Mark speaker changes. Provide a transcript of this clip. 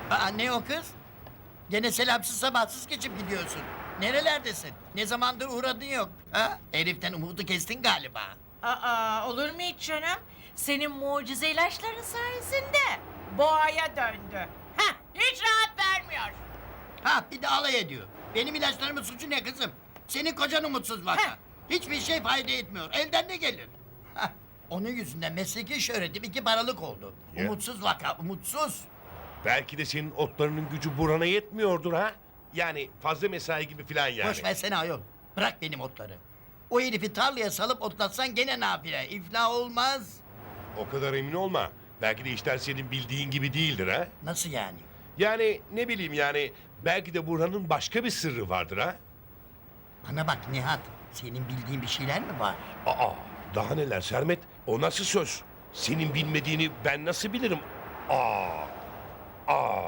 Speaker 1: Aa, ne o kız? Gene selamsız sabahsız geçip gidiyorsun. Nerelerdesin? Ne zamandır uğradın yok. Ha? Heriften umudu kestin galiba.
Speaker 2: Aa, olur mu hiç canım? Senin mucize ilaçların sayesinde boğaya döndü. Heh, hiç rahat vermiyor.
Speaker 1: Ha, bir de alay ediyor. Benim ilaçlarımın suçu ne kızım? Senin kocan umutsuz vaka.
Speaker 2: Heh.
Speaker 1: Hiçbir şey fayda etmiyor. Elden ne gelir? Hah, onun yüzünden mesleki şöhretim 2 paralık oldu.
Speaker 3: Ya.
Speaker 1: Umutsuz vaka, umutsuz.
Speaker 3: Belki de senin otlarının gücü Burhan'a yetmiyordur ha? Yani fazla mesai gibi falan yani.
Speaker 1: Boş versene ayol. Bırak benim otları. O herifi tarlaya salıp otlatsan gene nafile. İflah olmaz.
Speaker 3: O kadar emin olma. Belki de işler senin bildiğin gibi değildir ha?
Speaker 1: Nasıl yani?
Speaker 3: Yani ne bileyim yani belki de Burhan'ın başka bir sırrı vardır ha?
Speaker 1: Bana bak Nihat. Senin bildiğin bir şeyler mi var?
Speaker 3: Aa, daha neler Sermet? O nasıl söz? Senin bilmediğini ben nasıl bilirim? Aa,